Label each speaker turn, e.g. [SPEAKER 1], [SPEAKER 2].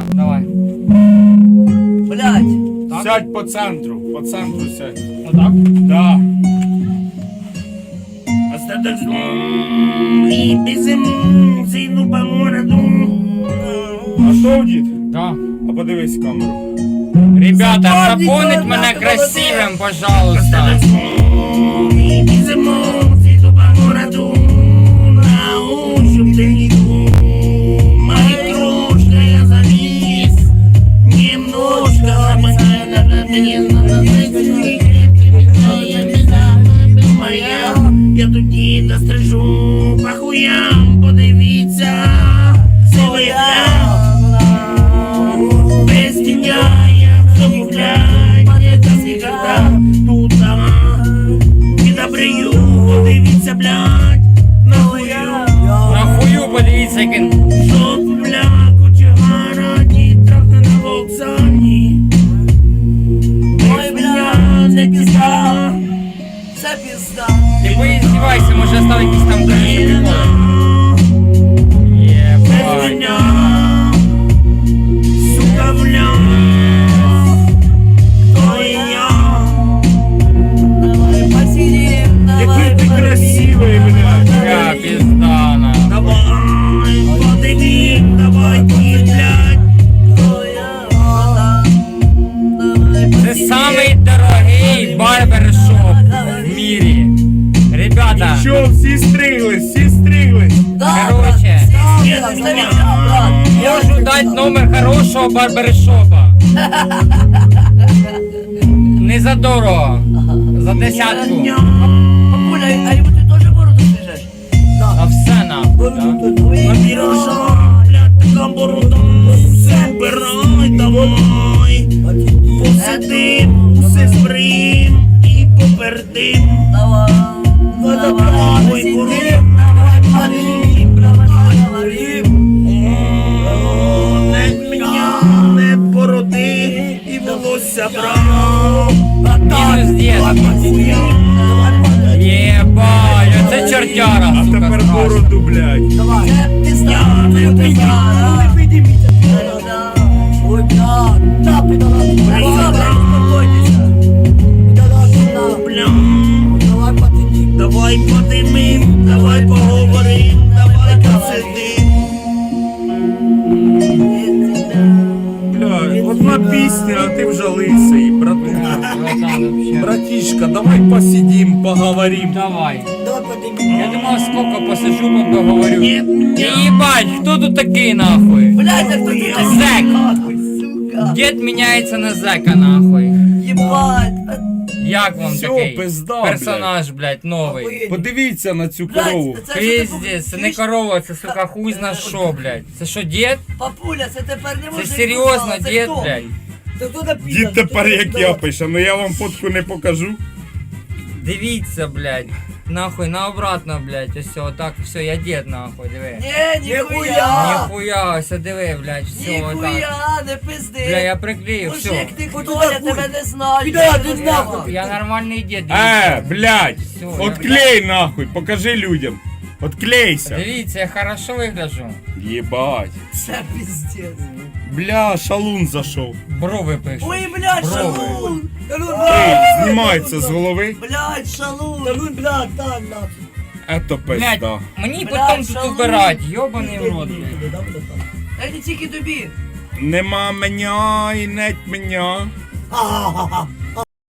[SPEAKER 1] Давай.
[SPEAKER 2] Блядь.
[SPEAKER 1] Так?
[SPEAKER 3] Сядь по центру сядь.
[SPEAKER 1] Отак?
[SPEAKER 3] Да. А що, дід?
[SPEAKER 1] Да.
[SPEAKER 3] А подивись в камеру.
[SPEAKER 1] Ребята, запомнить мене красивим, пожалуйста.
[SPEAKER 4] Я тоді дострижу по хуям, подивіться, сивий без тіня, я замовляю, это никогда тут не добрию, подивіться, блядь, нахуя.
[SPEAKER 1] Нахую, подивіться, як він.
[SPEAKER 4] Жопу, бля, кочегара, трохи на вокзалі. Ой, бля, це пізда.
[SPEAKER 2] Це пізда.
[SPEAKER 1] Ти поїздівайся, може став якийсь там прикол.
[SPEAKER 4] Без
[SPEAKER 1] Єбать.
[SPEAKER 4] меня, сука, бля, кто я?
[SPEAKER 2] Давай посидим, давай
[SPEAKER 3] Який ти красивий, блядь.
[SPEAKER 1] Я піздана.
[SPEAKER 4] Давай, подивим, давай, блядь.
[SPEAKER 1] Це самий дорогий барбершоп в мірі. Ребята,
[SPEAKER 3] Що, всі стриглись?
[SPEAKER 1] короче, можу дати номер хорошого барбершопа. Не за дорого, за десятку.
[SPEAKER 2] Папуля, а йому ти теж бороду стрижеш?
[SPEAKER 1] На все нахуй, да?
[SPEAKER 4] Віруша, блядь, така борода, все вбирай, давай. Посидим, усе збрим і попердим.
[SPEAKER 2] Давай, давай,
[SPEAKER 4] Ой,
[SPEAKER 2] посидим,
[SPEAKER 4] курим,
[SPEAKER 2] давай поговорим, давай поговорим.
[SPEAKER 4] Не меня, не бороди і волосся брав.
[SPEAKER 1] Мінус 10. Єбать, оце чортяра,
[SPEAKER 3] А
[SPEAKER 1] сука,
[SPEAKER 3] тепер
[SPEAKER 1] страшна.
[SPEAKER 3] бороду, блядь.
[SPEAKER 2] Давай. Це пізда, це пізда. Ой, бля, да, підала. Успокойтеся.
[SPEAKER 4] Бля,
[SPEAKER 2] Давай посидим.
[SPEAKER 4] давай подимим, давай поговорим, давай посидим.
[SPEAKER 3] Бля, одна пісня, а ти вже лисий, братуха.
[SPEAKER 1] Братан, вообще.
[SPEAKER 3] Братишка, давай посидим, поговорим.
[SPEAKER 1] Давай.
[SPEAKER 2] Давай поднимем.
[SPEAKER 1] Я думав, сколько посижу, поговорю.
[SPEAKER 4] Нет,
[SPEAKER 1] Ебать, хто тут такий нахуй?
[SPEAKER 2] Блядь, а кто ты такой?
[SPEAKER 1] Зэк.
[SPEAKER 2] Нахуй, сука.
[SPEAKER 1] Дід міняється на зека нахуй.
[SPEAKER 2] Ебать.
[SPEAKER 1] Як вам
[SPEAKER 3] Всё,
[SPEAKER 1] такий
[SPEAKER 3] пизда,
[SPEAKER 1] персонаж, блядь, новий?
[SPEAKER 2] Охуєнь.
[SPEAKER 3] Подивіться на цю корову.
[SPEAKER 2] Блядь, це що ти
[SPEAKER 1] Пиздец, це не
[SPEAKER 2] чуєш?
[SPEAKER 1] корова, це сука хуй зна що, блядь. Це що, дід?
[SPEAKER 2] Папуля, це тепер не
[SPEAKER 1] Це
[SPEAKER 2] може.
[SPEAKER 1] серйозно, дід, блядь.
[SPEAKER 2] Це хто написав?
[SPEAKER 3] Дід тепер як я пише, ну я вам фотку не покажу.
[SPEAKER 1] Дивіться, блядь. Нахуй, на обратно, блядь. Ось отак, все, я дід, нахуй, диви.
[SPEAKER 2] Ні, ніхуя.
[SPEAKER 1] Ніхуя, ось диви, блядь, все, отак.
[SPEAKER 2] Ніхуя, не пизди.
[SPEAKER 1] Бля, я приклею, все.
[SPEAKER 2] Мужик, ти хто, я тебе не знаю.
[SPEAKER 3] Піда, ти нахуй.
[SPEAKER 1] Я нормальний дід,
[SPEAKER 3] Блядь,
[SPEAKER 1] Всё,
[SPEAKER 3] отклей нахуй, покажи людям. Отклейся.
[SPEAKER 1] Дивіться, я хорошо вигляджу.
[SPEAKER 3] Єбать.
[SPEAKER 2] Це пиздец.
[SPEAKER 3] Бля, шалун зашов.
[SPEAKER 1] Брови пишу.
[SPEAKER 2] Ой, блядь,
[SPEAKER 1] Брови.
[SPEAKER 2] шалун. Шалун,
[SPEAKER 3] Ей, знімається з голови.
[SPEAKER 2] Блядь, шалун. Шалун, блядь, так, нахуй.
[SPEAKER 3] Ето
[SPEAKER 1] Блядь,
[SPEAKER 3] пизда.
[SPEAKER 1] мені
[SPEAKER 2] Блядь,
[SPEAKER 1] потім тут
[SPEAKER 2] шалун.
[SPEAKER 1] убирать, йобаний в рот, блядь.
[SPEAKER 2] Дай не тільки тобі.
[SPEAKER 3] Нема мене і нет мене.